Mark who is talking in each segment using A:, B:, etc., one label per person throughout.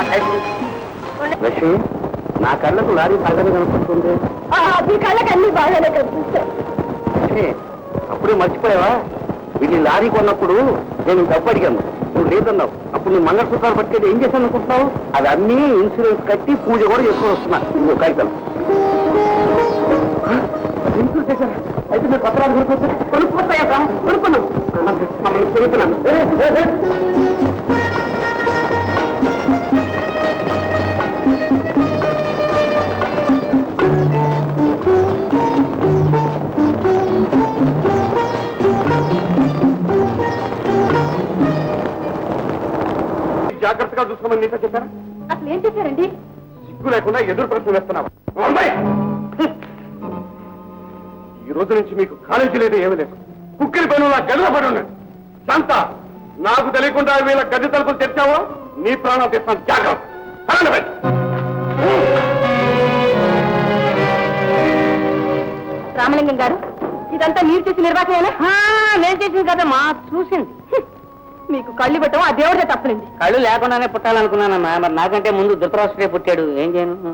A: లక్ష్మి, నా కళ్ళకు లారీ బాగానే కనిపిస్తుంది.
B: మీ కళ్ళకి అన్ని బాగానే కనిపిస్తాయి.
A: అప్పుడే మర్చిపోయావా? వీళ్ళు లారీ కొన్నప్పుడు నేను డబ్బు అడిగాను, నువ్వు లేదన్నావు. అప్పుడు నువ్వు మంగళసూత్రాలు పట్టుకెళ్ళి ఏం చేశాను అనుకుంటున్నావు? అది అన్నీ ఇన్సూరెన్స్ కట్టి పూజ కూడా చేసుకొని వస్తున్నా. నువ్వు కాగితాలు ఇన్సూరెన్స్ చేశాను. అయితే మీరు పత్రాలు కొనుక్కొస్తాయా? కొనుక్కున్నాను. కొనుక్కున్నాను. జాగ్రత్తగా చూసుకోమని నీతో చెప్పారా?
B: అసలు ఏం చేశారండి?
A: సిగ్గు లేకుండా ఎదురు ప్రశ్న వేస్తున్నావా? ఈ రోజు నుంచి మీకు కాలేజీ లేదు, ఏమీ లేదు. కుక్కిరి పైన గదిలో పడి ఉన్నాడు. శాంత, నాకు తెలియకుండా వీళ్ళ గది తలుపులు తెచ్చావో నీ ప్రాణం తెస్తాను. జాగ్రత్త.
B: రామలింగం గారు, ఇదంతా మీరు చేసిన నిర్వాహమేనా? నేను చేసింది కదా మా చూసింది. మీకు కళ్ళు పెట్టడం ఆ దేవుడే తప్పనింది.
C: కళ్ళు లేకుండానే పుట్టాలనుకున్నానమ్మా. మరి నాకంటే ముందు ధృతరాష్ట్రుడే పుట్టాడు. ఏం చేయను?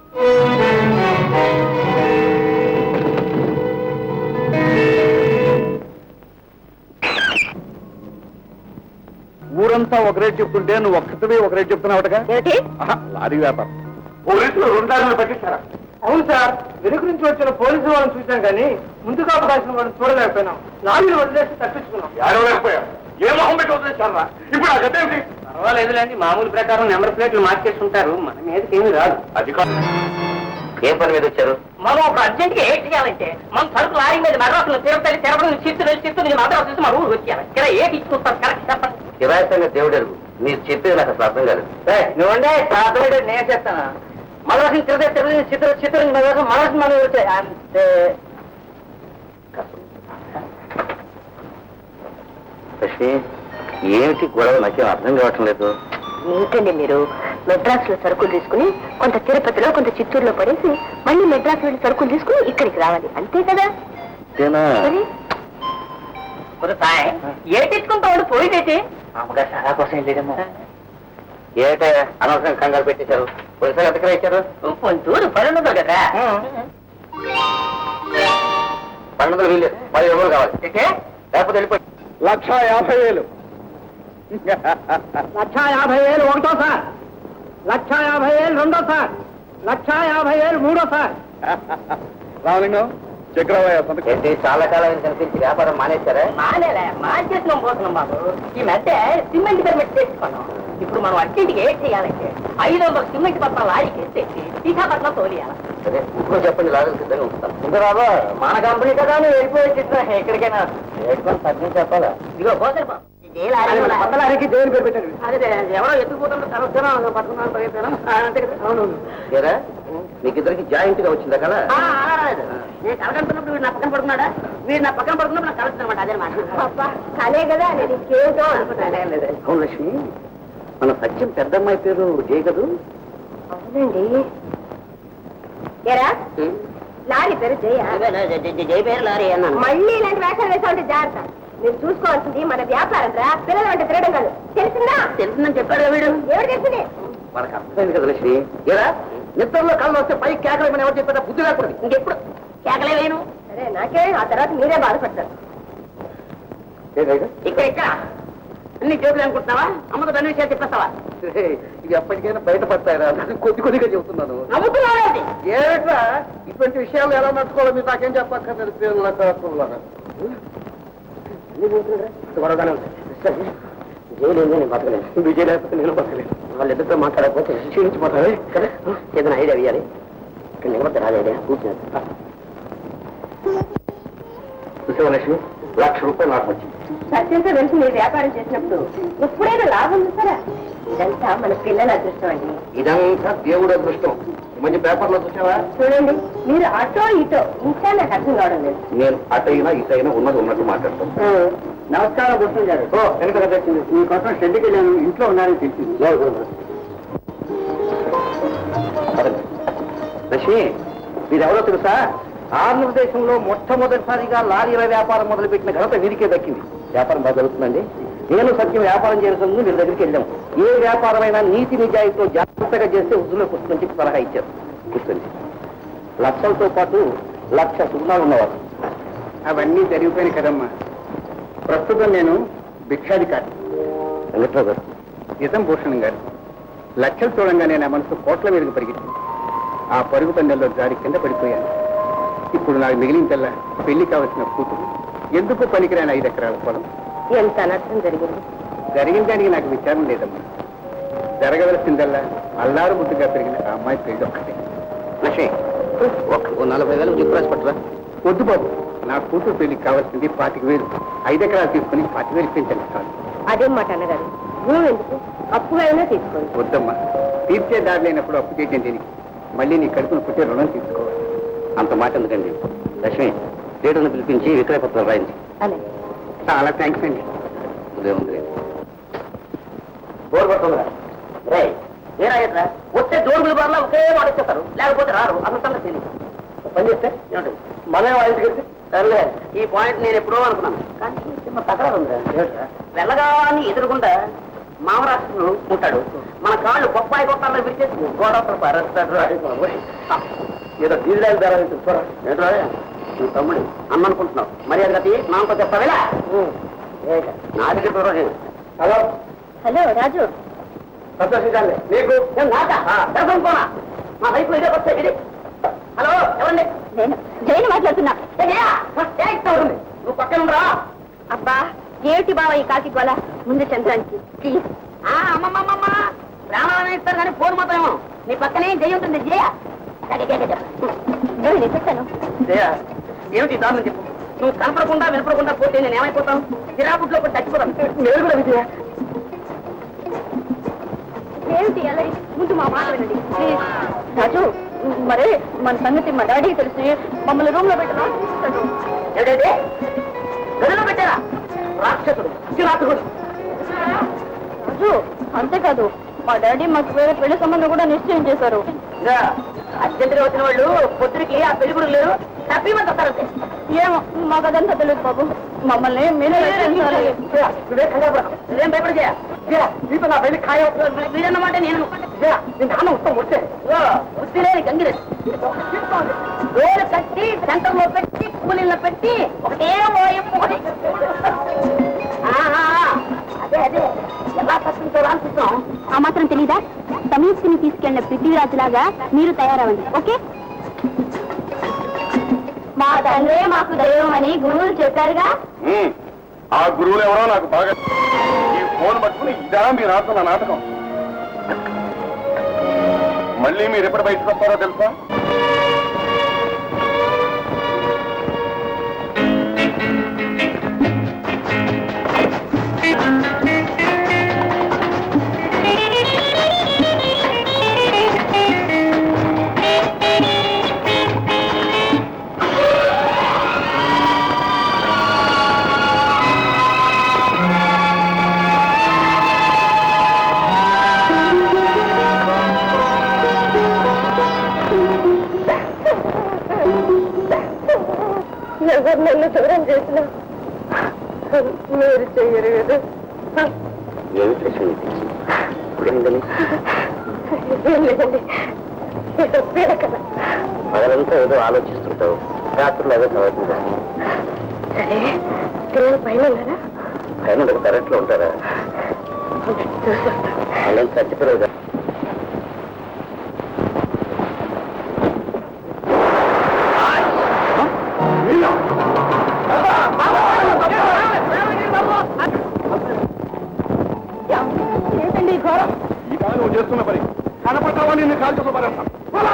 A: ఊరంతా ఒక రేటు చెప్తుంటే నువ్వు ఒక్కటివే ఒక రేటు చెప్తున్నావుగా? లారీ వ్యాపారం. పోలీసులు 2 లారీలు పట్టించారా?
D: అవును సార్, వెనుక నుంచి వచ్చిన పోలీసు వాళ్ళని చూసాం కానీ ముందుగా అవకాశం వాళ్ళని చూడలేకపోయినాం. లారీలు వదిలేసి తప్పించుకున్నాం.
A: ఎవరైపోయారు? ఏ మొహం పెట్టి వదిలేశారా? ఇప్పుడు ఆ గదేమిటి?
C: పర్వాలేదులేండి, మామూలు ప్రకారం నెంబర్ ప్లేట్లు మార్చేస్తుంటారు. మన మీదకి ఏమీ రాదు.
A: అది కాదు. ఏం పని మీద వచ్చారు?
C: మనం ఒక అర్జెంట్ గా ఏం చేయాలంటే మన సరుకు లారీ మీద మద్రాసులో తిరుపతి తిరుపతి చిత్తూరు మద్రాసు చూసి మన ఊరు వచ్చేయాలి. ఇక్కడ ఏటి ఇచ్చుకుంటారు? కరెక్ట్ చెప్పండి.
A: కిరాయితంగా దేవుడు ఎరుగు. మీరు చెప్పేది నాకు అసలు అర్థం కాదు.
C: నువ్వండే అర్థమైతే నేను చెప్తాను. మద్రాసు తిరుపతి తిరుపతి చిత్తూరు మద్రాసు మద్రాసు మన వచ్చాయి అంతే.
A: లక్ష్మి, ఏమిటి గొడవ? నాకేం అర్థం కావటం లేదు.
B: ఏంటండి మీరు మెడ్రాస్ లో సరుకులు తీసుకుని కొంత తిరుపతిలో కొంత చిత్తూరులో పడేసి మళ్ళీ మెడ్రాస్ వెళ్ళి సరుకులు తీసుకుని ఇక్కడికి రావాలి, అంతే కదా?
C: ఏటిచ్చుకుంటాడు పోయితే అమ్మగారు చాలా కోసం వెళ్ళేదేమో.
A: ఏటే అనవసరం కంగారు పెట్టేశారు? పోలీసులు ఎక్కడ ఇచ్చారు?
C: కొంతూరు 1200 కదా.
A: 1200 వీళ్ళు 10,000 కావాలి. లేకపోతే వెళ్ళిపోయి 1,50,000.
D: 1,50,000 ఒకటో సార్, 1,50,000 రెండో సార్, 1,50,000 మూడో సార్.
A: రామలింగం, చక్రవయ్య ఏంటి చాలా కాలం కనిపించి వ్యాపారం మానేశారా?
C: మానేలే, మార్చేసినాం పోతున్నాం బాబు. ఈ మధ్య సిమెంట్ పర్మిట్ తెచ్చుకున్నాం. ఇప్పుడు మనం అన్నింటికి ఏం చేయాలంటే 500 సిమెంట్ పట్ల లారీకి ఎత్తేసి విశాఖపట్నం తోలియాలి.
A: సరే, ఇప్పుడు చెప్పండి, లారీలు సిద్ధంగా ఉంటాం.
C: ఇంకా బాబు, మన కంపెనీ కదా నువ్వు వెళ్ళిపోయి చిత్రం ఎక్కడికైనా
A: ఏడుకొని తగ్గి చెప్పాలా?
C: ఇదిగో పోతారు బాబు.
D: లారీకి దేవుని పేరు పెట్టండి.
C: అదే ఎవరో ఎత్తుకుపోతుంటే తరచున పట్టుకున్నాను పరిగెత్తాను అంతే కదా. అవును,
A: మీకిద్దరికి జాయింట్ గా వచ్చిందా కదా?
C: నేను కలగంటున్నప్పుడు వీడు నా పక్కన పడుతున్నాడా, వీడు నా పక్కన పడుతున్నప్పుడు నాకు కలుగుతున్నమాట. అదే మాట
B: కలే కదా, నేను ఇంకేదో అనుకున్నాను.
A: అవును లక్ష్మి, మన సత్యం పెద్దమ్మాయి పేరు జయ కదూ?
B: అవునండి. ఎరా లారీ పేరు జయ.
C: జయ పేరు లారీ అన్నాను.
B: మళ్ళీ ఇలాంటి వేషాలు వేసా ఉంటే జాగ్రత్త. మీరు చూసుకోవాల్సింది మన వ్యాపారం రా, పిల్లలు అంటే తిరగడం కాదు. తెలిసిందా?
C: తెలుస్తుందని చెప్పాడు వీడు.
B: ఎవరు తెలిసింది?
A: మనకు అర్థమైంది కదా లక్ష్మి. ఏరా నిద్రలో కాళ్ళు వస్తే పై కేకలేమని ఎవరు చెప్పారా? బుద్ధి లేకూడదు.
C: ఇంకెప్పుడు కేకలే వేయను.
B: సరే, నాకే ఆ తర్వాత మీరే బాధపడతారు.
C: ఇక్కడ ఇక్కడ అన్ని జోకులు అనుకుంటున్నావా? అమ్మకు దాని విషయాలు చెప్పేస్తావా?
A: ఇవి ఎప్పటికైనా బయటపడతాయిరా, కొద్ది కొద్దిగా చెబుతున్నాను.
C: నమ్ముతున్నావు
A: ఏమిట్రా ఇటువంటి విషయాలు ఎలా నడుచుకోవాలో మీరు నాకేం చెప్పక్కర్లేదు. పేర్ల కాకులాగా
C: గొడవగానే ఉంటాయి. జైలు ఏంది, నేను బతకలేదు. విజయ్ లేకపోతే నేను బతకలేదు. వాళ్ళిద్దరితో మాట్లాడకపోతే క్షీణించిపోతారు కదా. ఏదైనా ఐడియా వేయాలి. ఇక్కడ నిలబడితే రాదు ఐడియా. కూర్చున్నారు
A: చూసేవా లక్ష్మి, 1,00,000 రూపాయలు నాకు వచ్చింది.
B: సత్యంతో కలిసి మీరు వ్యాపారం చేసినప్పుడు ఎప్పుడైనా లాభం చూసారా? ఇదంతా మన పిల్లల అదృష్టం అండి.
A: ఇదంతా దేవుడు అదృష్టం. ఈ మధ్య పేపర్లో చూసావా?
B: చూడండి, మీరు అటో ఇటో ఇంకా నాకు అర్థం కావడం లేదు.
A: నేను అటైనా ఇటైనా ఉన్నది ఉన్నట్టు మాట్లాడతాను.
D: నమస్కారం గుర్తు గారు. వెనక వచ్చింది మీకోసం షెడ్కి వెళ్ళాను, ఇంట్లో ఉన్నారని తెలిసింది.
A: లక్ష్మి, మీరెవరో తెలుసా? ఆంధ్రప్రదేశంలో మొట్టమొదటిసారిగా లారీల వ్యాపారం మొదలుపెట్టిన ఘనత వీరికే దక్కింది. వ్యాపారం బాగా జరుగుతుందండి. నేను సత్యం వ్యాపారం చేయాల్సింది వీళ్ళ దగ్గరికి వెళ్ళాం. ఏ వ్యాపారమైనా నీతి నిజాయితీతో జాగ్రత్తగా చేస్తే వృద్ధులకు వస్తుందని చెప్పి సలహా ఇచ్చారు. కూర్చోండి. లక్షలతో పాటు 1,00,000 సుగుణాలు ఉన్నవారు.
D: అవన్నీ జరిగిపోయినాయి కదమ్మా. ప్రస్తుతం నేను భిక్షాధికారి.
A: వెంకట్రావు గారు,
D: నిజం భూషణం గారు, లక్షలు చూడంగానే నా మనసు కోట్ల మీదకు పరిగెత్తింది. ఆ పరుగు పందెంలో జారి కింద పడిపోయాను. ఇప్పుడు నాకు మిగిలిందల్లా పెళ్లి కావలసిన కూతురు, ఎందుకు పనికిరాని 5 ఎకరాల పొలం.
B: ఎంత అనర్థం జరిగింది.
D: జరిగిన దానికి నాకు విచారం లేదమ్మా. జరగవలసిందల్లా అల్లారు ముద్దుగా పెరిగిన ఆ అమ్మాయి పెళ్లి ఒక్కటే.
A: లక్ష్మి, ఒక 40,000 జిప్పు రాసి పట్టరా.
D: వద్దు బాబు, నా కూతురు పెళ్లికి కావాల్సింది 25,000. 5 ఎకరాలు తీసుకుని 25,000 పెంచండి చాలు.
B: అదేం మాట అన్నగారు, భూమి ఎందుకు? అప్పుగా అయినా తీసుకోండి.
D: వద్దమ్మా, తీర్చే దారి లేనప్పుడు అప్పు చేయటం దీనికి. మళ్ళీ నీ కడుపును పుట్టే రుణం తీసుకోవాలి.
A: అంత మాట ఎందుకండి. లక్ష్మి, లీడర్ని పిలిపించి విక్రయ పత్రాలు రాయించి.
B: అలాగే.
D: చాలా థ్యాంక్స్ అండి.
A: ఉదయం ఉంది.
C: బోర్ పడుతుందిరా. రే ఏరాయట్రా, వస్తే జోరుల బార్లా ఒకే మాట ఇచ్చేస్తారు, లేకపోతే రారు. అసలు సంగతి తెలియదు. పని చేస్తే ఏమిటండి, మనమే వాళ్ళకి కలిసి సర్లే. ఈ పాయింట్ నేను ఎప్పుడో అనుకున్నాను, కానీ చిన్న తగరాలు ఉందిరా. వెళ్ళగాని ఎదురుగుండా మామరాష్ట్రుడు ఉంటాడు. మన కాళ్ళు బొప్పాయి కొట్టాలని విడిచేసి గోడ ఏదో డీజిల్ ధర ఏంట్రా నువ్వు తమ్ముడు అన్ననుకుంటున్నావు. మరి అది కట్టి నాతో చెప్పావేలా నా దగ్గర దూరం. Hello
B: hello Raju.
C: సంతోషించాలి నీకు పోనా మా వైపు ఇదే వస్తాయి ఇది. హలో ఎవరండి?
B: నేను జైలు మాట్లాడుతున్నా.
C: నువ్వు పక్కన రా.
B: అబ్బా ఏమిటి బావ ఈ కాకి గోల? ముందు చంద్రానికి ప్లీజ్.
C: అమ్మమ్మమ్మ ప్రాణాలను ఇస్తారు కానీ ఫోన్ మాత్రం నీ పక్కనే జయ ఉంటుంది. జయ
B: నేను చెప్తాను.
C: జయ ఏమిటి దారుణం చెప్పు. నువ్వు కనపడకుండా వినపడకుండా పోతే నేను ఏమైపోతాను? చిరాకుట్లో కూడా చచ్చిపోతాను. నేను కూడా విజయ.
B: ఏమిటి అలా? ముందు మా మాట వినండి ప్లీజ్. రాజు, మరి మన సంగతి మా డాడీకి తెలిసి మమ్మల్ని రూమ్ లో పెట్టినా
C: ఏదైతే గదిలో పెట్టారా? రాక్షసుడు, చిరాకుడు.
B: రాజు, అంతేకాదు మా డాడీ మాకు వేరే పెళ్లి సంబంధం కూడా నిశ్చయం చేశారు.
C: అర్జెంటుగా వచ్చిన వాళ్ళు పొద్దురికి ఆ పెళ్లి కూడా లేరు, తప్పిమంత వస్తారంటే.
B: ఏమో మాకు అదంతా తెలియదు బాబు. మమ్మల్ని మీరే రక్షించాలి.
C: నువ్వేం భయపడి చేయ నీతో నా పెళ్లి ఖాయం. మీరన్నమాట నేను నాన్న ఉత్తరం వస్తే వస్తేనే గంగిరెడ్డి రోడ్డు కట్టి సెంటర్లో పెట్టి కూలీల్లో పెట్టి ఒకటే అదే అదే ఎలా కట్టించాలో అనిపిస్తాం.
B: ఆ మాత్రం తెలీదా? సమీక్షని తీసుకెళ్లిన పృథ్వీరాజులాగా మీరు తయారవ్వండి. ఓకే? మా తండ్రే మాకు దైవం అని గురువులు చెప్పారుగా.
E: ఆ గురువులు ఎవరో నాకు బాగా. ఈ ఫోన్ పట్టుకుని ఇదా మీరు ఆడుతున్న నాటకం. మళ్ళీ మీరు ఎప్పుడు బయటకు వస్తారో తెలుసా?
B: ఎవరు నన్ను దూరం చేసిన మీరు చెయ్యరు కదా.
A: ఏమిటి లక్ష్మి ఇప్పుడేందని?
B: ఏం లేదండి, ఏదో పీడ కదా.
A: పగలంతా ఏదో ఆలోచిస్తుంటావు, రాత్రులు ఏదో చదువుతుంటా.
B: సరే పిల్లలు పైన ఉన్నారా?
A: పైన కరెంట్లో ఉంటారా? వాళ్ళని చచ్చిపోలేదు.
B: ఏంటండి ఈ ఘోరం?
E: ఇదా నువ్వు చేస్తున్న పని. కనపడ్డావా నిన్ను కాల్ చేసి పడేస్తాను.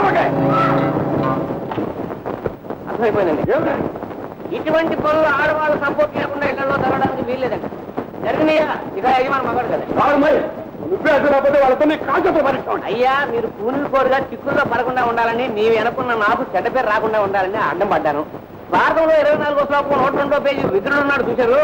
C: అర్థమైపోయిందండి. ఇటువంటి పనులు ఆడవాళ్ళు సపోర్ట్ లేకుండా ఇళ్లలో జరగడానికి వీల్లేదండి. జరిగినాయా ఇక యజమాని మగాడు కదా.
E: నువ్వే అసలు వాళ్ళతో కాల్ చేసి పడేస్తాను.
C: అయ్యా, మీరు కూలీలు కోరుగా చిక్కుల్లో పడకుండా ఉండాలని, నీవు వెనకున్న నాకు చెడ్డ పేరు రాకుండా ఉండాలని అడ్డం పడ్డాను. భారతంలో 24వ శ్లోకం 102వ పేజీ విదురుడు ఉన్నాడు చూశారు.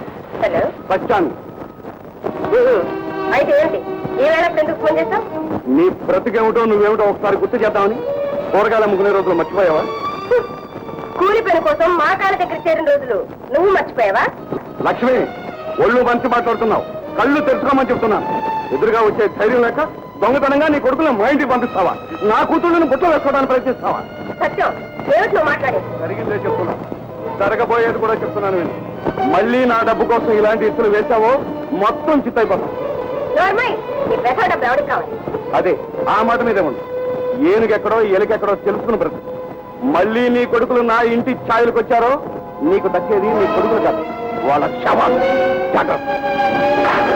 B: హలో,
E: వచ్చాను.
B: అయితే ఏంటి ఈ వేళ ఎందుకు ఫోన్ చేస్తావు?
E: నీ బ్రతికేమిటో నువ్వేమిటో ఒకసారి గుర్తు చేద్దామని కూరగాయలు అమ్ముకునే రోజులు మర్చిపోయావా?
B: కూలి పని కోసం మా కాళ్ళ దగ్గర చేరిన రోజులు నువ్వు మర్చిపోయావా?
E: లక్ష్మి, ఒళ్ళు మంచి మాట్లాడుతున్నావు. కళ్ళు తెరుచుకోమని చెప్తున్నాను. ఎదురుగా వచ్చే ధైర్యం లేక దొంగతనంగా నీ కొడుకులను మా ఇంటికి పంపిస్తావా? నా కూతుళ్ళని బుట్టలో వేసుకోవడానికి ప్రయత్నిస్తావా?
B: సత్యం, ఏమిటి నువ్వు మాట్లాడేది?
E: జరిగిందే చెప్తున్నా, జరగబోయేది కూడా చెప్తున్నాను నేను. మళ్ళీ నా డబ్బు కోసం ఇలాంటి ఇస్తులు వేశావో మొత్తం చిత్తైపోతాం.
B: నోర్మై, నీ పెసా డబ్బు ఎవరికి కావాలి?
E: అదే ఆ మాట మీదే ఉంది. ఏనుగెక్కడో ఎలుకెక్కడో తెలుసుకుని బ్రతు. మళ్ళీ నీ కొడుకులు నా ఇంటి ఛాయలకు వచ్చారో నీకు దక్కేది నీ కొడుకులు కాదు, వాళ్ళ శవాలు. జాగ్రత్త.